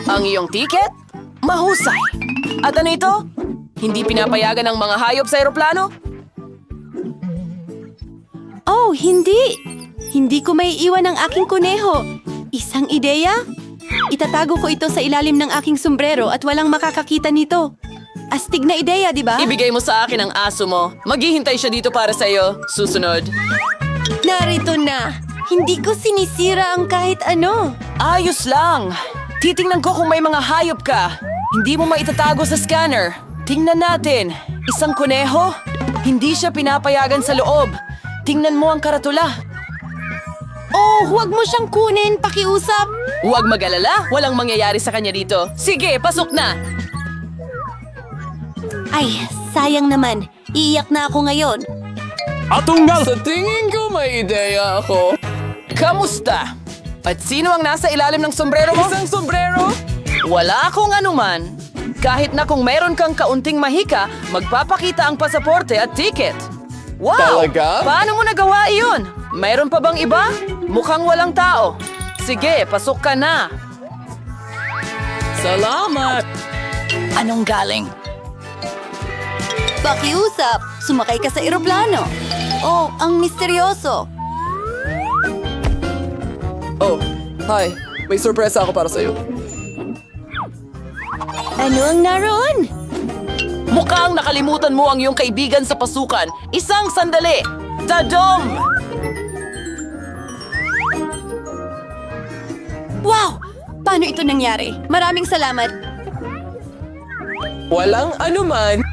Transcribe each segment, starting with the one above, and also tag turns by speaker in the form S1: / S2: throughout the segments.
S1: Ang iyong tiket? Mahusay. At ano ito? Hindi pinapayagan ng mga hayop sa eroplano?
S2: Oh, hindi! Hindi ko may iwan ang aking kuneho. Isang ideya? Itatago ko ito sa ilalim ng aking sombrero at walang makakakita nito. Astig na ideya, di ba?
S1: Ibigay mo sa akin ang aso mo. Maghihintay siya dito para sa iyo. Susunod.
S2: Narito na! Hindi ko sinisira ang kahit ano.
S1: Ayos lang. Titingnan ko kung may mga hayop ka. Hindi mo maitatago sa scanner. Tingnan natin. Isang kuneho? Hindi siya pinapayagan sa loob. Tingnan mo ang karatula.
S2: Oh, huwag mo siyang kunin, pakiusap.
S1: Huwag mag-alala. Walang mangyayari sa kanya dito. Sige, pasok na.
S2: Ay, sayang naman. Iiyak na ako ngayon.
S3: Atunggal!
S1: Sa tingin ko may ideya ako. Kamusta? At sino ang nasa ilalim ng sombrero mo? Isang sombrero? Wala akong anuman. Kahit na kung meron kang kaunting mahika, magpapakita ang pasaporte at ticket. Wow!
S3: Talaga?
S1: Paano mo nagawa iyon? Mayroon pa bang iba? Mukhang walang tao. Sige, pasok ka na. Salamat! Anong galing?
S2: Pakiusap, sumakay ka sa eroplano. Oh, ang misteryoso.
S1: Oh, hi. May sorpresa ako para sa'yo.
S2: Ano ang naroon?
S1: Mukhang nakalimutan mo ang iyong kaibigan sa pasukan. Isang sandali! Tadom!
S2: Wow! Paano ito nangyari? Maraming salamat.
S1: Walang anuman.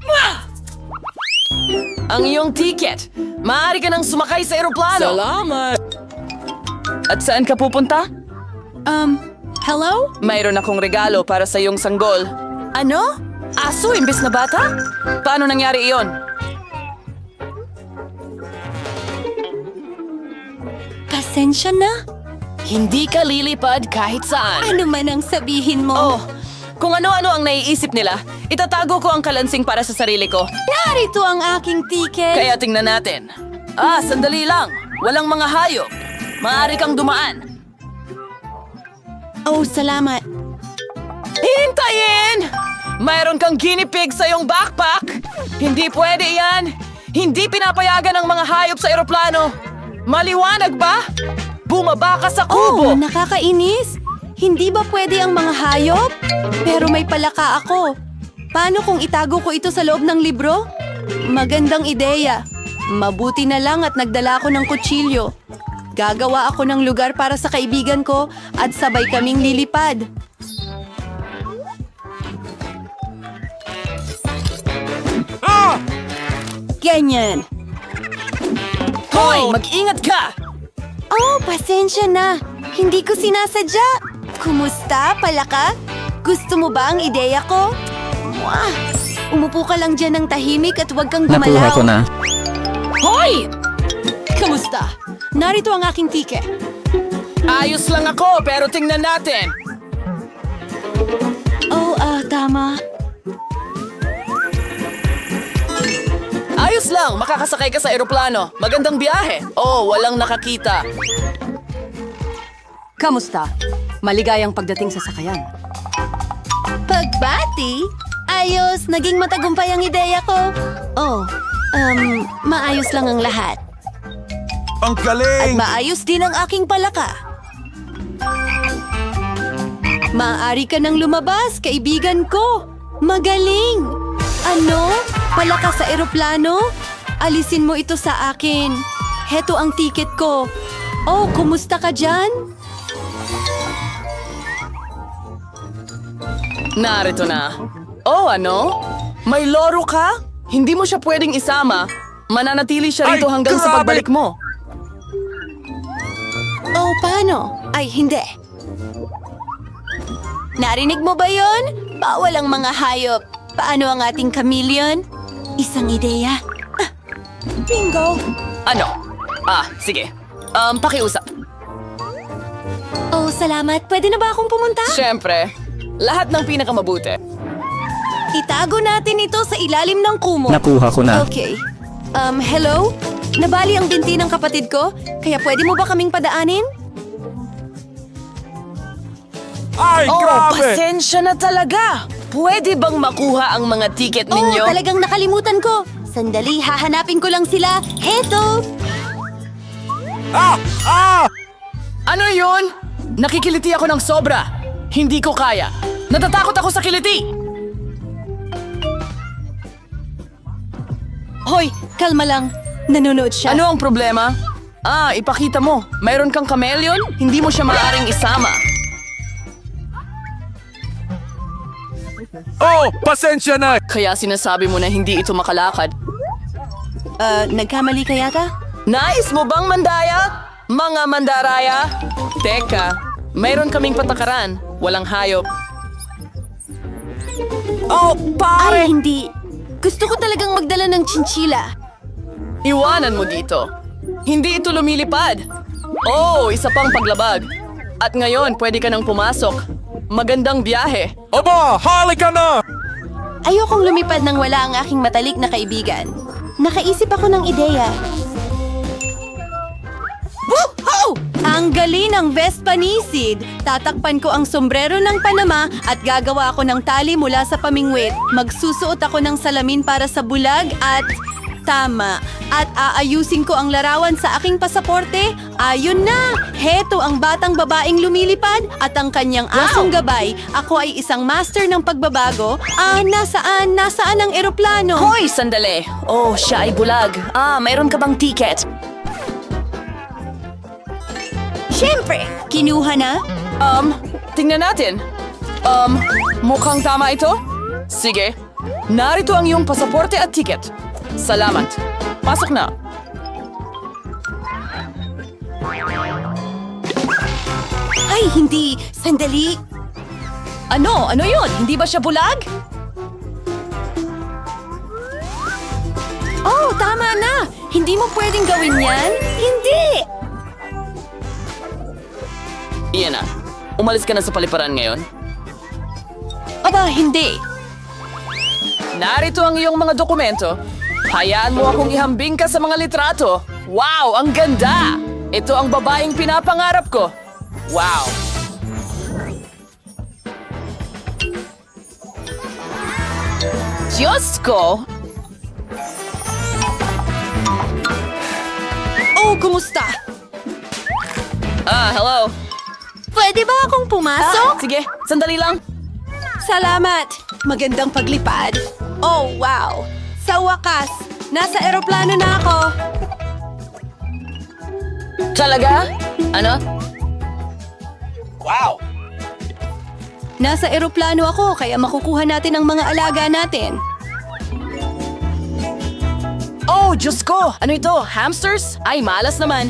S1: Ang iyong ticket. Maaari ka nang sumakay sa eroplano. Salamat! At saan ka pupunta?
S2: Hello?
S1: Mayroon akong regalo para sa iyong sanggol. Ano? Aso imbes na bata? Paano nangyari iyon?
S2: Pasensya na.
S1: Hindi ka lilipad kahit saan.
S2: Ano man ang sabihin mo?
S1: Oh, kung ano-ano ang naiisip nila, itatago ko ang kalansing para sa sarili ko.
S2: Narito ang aking ticket.
S1: Kaya tingnan natin. Sandali lang. Walang mga hayop. Maaari kang dumaan.
S2: Oh, salamat.
S1: Hintayin! Mayroon kang guinea pig sa iyong backpack. Hindi pwede yan. Hindi pinapayagan ng mga hayop sa eroplano. Maliwanag ba? Bumaba ka sa
S2: Oh,
S1: kubo.
S2: nakakainis. Hindi ba pwede ang mga hayop? Pero may palaka ako. Paano kung itago ko ito sa loob ng libro? Magandang ideya. Mabuti na lang at nagdala ako ng kutsilyo. Gagawa ako ng lugar para sa kaibigan ko at sabay kaming lilipad. Ganyan.
S1: Hoy, mag-ingat ka!
S2: Oh, pasensya na. Hindi ko sinasadya. Kumusta, palaka? Gusto mo ba ang ideya ko? Mwah! Umupo ka lang dyan ng tahimik at huwag kang gumalaw.
S3: Nakuha ko na.
S1: Hoy!
S2: Kamusta? Narito ang aking ticket.
S1: Ayos lang ako, pero tingnan natin.
S2: Oh, tama.
S1: Ayos lang, makakasakay ka sa eroplano. Magandang biyahe. Oh, walang nakakita.
S4: Kamusta? Maligayang pagdating sa sakayan.
S2: Pagbati? Ayos, naging matagumpay ang ideya ko. Oh, maayos lang ang lahat.
S3: Ang
S2: At
S3: galing!
S2: maayos din ang aking palaka. Maaari ka nang lumabas, kaibigan ko. Magaling! Ano? Palaka sa eroplano? Alisin mo ito sa akin. Heto ang tiket ko. Oh, kumusta ka dyan?
S1: Narito na. Oh, ano? May loro ka? Hindi mo siya pwedeng isama. Mananatili siya rito
S3: Ay,
S1: hanggang sa
S3: grabe!
S1: pagbalik mo.
S2: Oh, paano? Ay, hindi. Narinig mo ba yon? Bawal ang mga hayop. Paano ang ating chameleon? Isang ideya. Bingo!
S1: Ano? Sige. Pakiusap.
S2: Oh, salamat. Pwede na ba akong pumunta?
S1: Siyempre, lahat ng pinakamabuti.
S2: Itago natin ito sa ilalim ng kumo.
S3: Nakuha ko na.
S2: Okay. Hello? Nabali ang binti ng kapatid ko, kaya pwede mo ba kaming padaanin?
S3: Ay,
S1: Oh,
S3: grabe!
S1: pasensya na talaga. Pwede bang makuha ang mga tiket ninyo?
S2: Oh, talagang nakalimutan ko. Sandali, hahanapin ko lang sila. Heto!
S3: Ah! Ah!
S1: Ano yun? Nakikiliti ako ng sobra. Hindi ko kaya. Natatakot ako sa kiliti.
S2: Hoy, kalma lang. Nanonood siya.
S1: Ano ang problema? Ipakita mo. Mayroon kang chameleon? Hindi mo siya maaaring isama.
S3: Oh, pasensya na!
S1: Kaya sinasabi mo na hindi ito makalakad.
S2: Nagkamali ka yata?
S1: Nais mo bang mandaya? Mga mandaraya? Teka, mayroon kaming patakaran. Walang hayop. Oh,
S2: Ay,
S1: pare!
S2: hindi. Gusto ko talagang magdala ng chinchila.
S1: Iwanan mo dito. Hindi ito lumilipad. Oh, isa pang paglabag. At ngayon, pwede ka nang pumasok. Magandang biyahe.
S3: Aba, halika na!
S2: Ayokong lumipad nang wala ang aking matalik na kaibigan. Nakaisip ako ng ideya. Woohoo! Ang galing ng Vespa Nisid. Tatakpan ko ang sombrero ng Panama at gagawa ako ng tali mula sa pamingwit. Magsusuot ako ng salamin para sa bulag at... Tama. At aayusin ko ang larawan sa aking pasaporte. Ayun na! Heto ang batang babaeng lumilipad at ang kanyang asong gabay. Ako ay isang master ng pagbabago. Nasaan ang eroplano?
S1: Hoy, sandali. Oh, siya ay bulag. Mayroon ka bang ticket?
S2: Siyempre! Kinuha na?
S1: Tingnan natin. Mukhang tama ito? Sige. Narito ang iyong pasaporte at ticket. Salamat. Pasok na.
S2: Ay, hindi! Sandali!
S1: Ano? Ano yun? Hindi ba siya bulag?
S2: Oh, tama na! Hindi mo pwedeng gawin yan? Hindi!
S1: Iyan na. Umalis ka na sa paliparan ngayon.
S2: Aba, hindi!
S1: Narito ang iyong mga dokumento. Hayaan mo akong ihambing ka sa mga litrato. Wow, ang ganda! Ito ang babaeng pinapangarap ko. Wow! Diyos ko!
S2: Oh, kumusta?
S1: Hello.
S2: Pwede ba akong pumasok?
S1: Sige, sandali lang.
S2: Salamat! Magandang paglipad. Oh, wow! Sa wakas, nasa eroplano na ako.
S1: Talaga? Ano?
S2: Nasa eroplano ako, kaya makukuha natin ang mga alaga natin.
S1: Oh, Diyos ko! Ano ito? Hamsters? Ay, malas naman.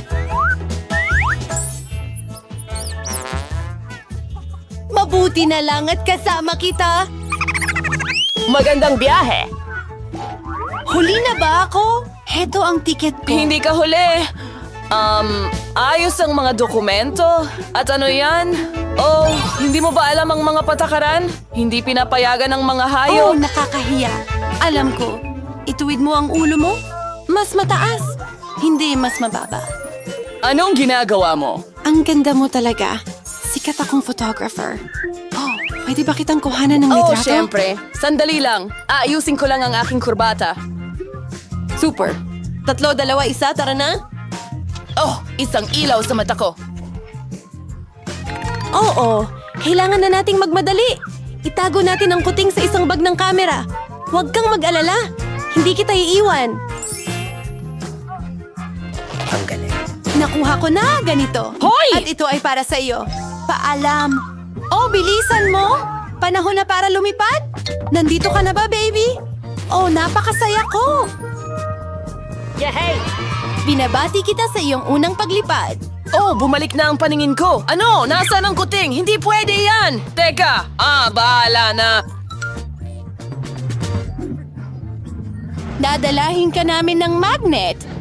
S2: Mabuti na lang at kasama kita.
S1: Magandang biyahe.
S2: Huli na ba ako? Heto ang tiket ko.
S1: Hindi ka huli. Ayos ang mga dokumento. At ano yan? Oh, hindi mo ba alam ang mga patakaran? Hindi pinapayagan ng mga
S2: Oh,
S1: hayop.
S2: nakakahiya. Alam ko. Ituwid mo ang ulo mo? Mas mataas. Hindi mas mababa.
S1: Anong ginagawa mo?
S2: Ang ganda mo talaga. Sikat akong photographer. Oh, pwede ba kitang kuhanan ng
S1: Oh,
S2: litrato?
S1: syempre. Sandali lang. Aayusin ko lang ang aking kurbata.
S2: Super. 3, 2, 1, tara na?
S1: Oh, isang ilaw sa mata ko.
S2: Oo, kailangan na nating magmadali. Itago natin ang kuting sa isang bag ng kamera. Huwag kang mag-alala. Hindi kita iiwan.
S1: Ang galing.
S2: Nakuha ko na ganito.
S1: Hoy!
S2: At ito ay para sa iyo. Paalam. Oh, bilisan mo. Panahon na para lumipad. Nandito ka na ba, baby? Oh, napakasaya ko.
S1: Yehey!
S2: Binabati kita sa iyong unang paglipad.
S1: Oh, bumalik na ang paningin ko. Ano? Nasaan ang kuting? Hindi pwede yan! Teka! Bahala na.
S2: Dadalahin ka namin ng magnet.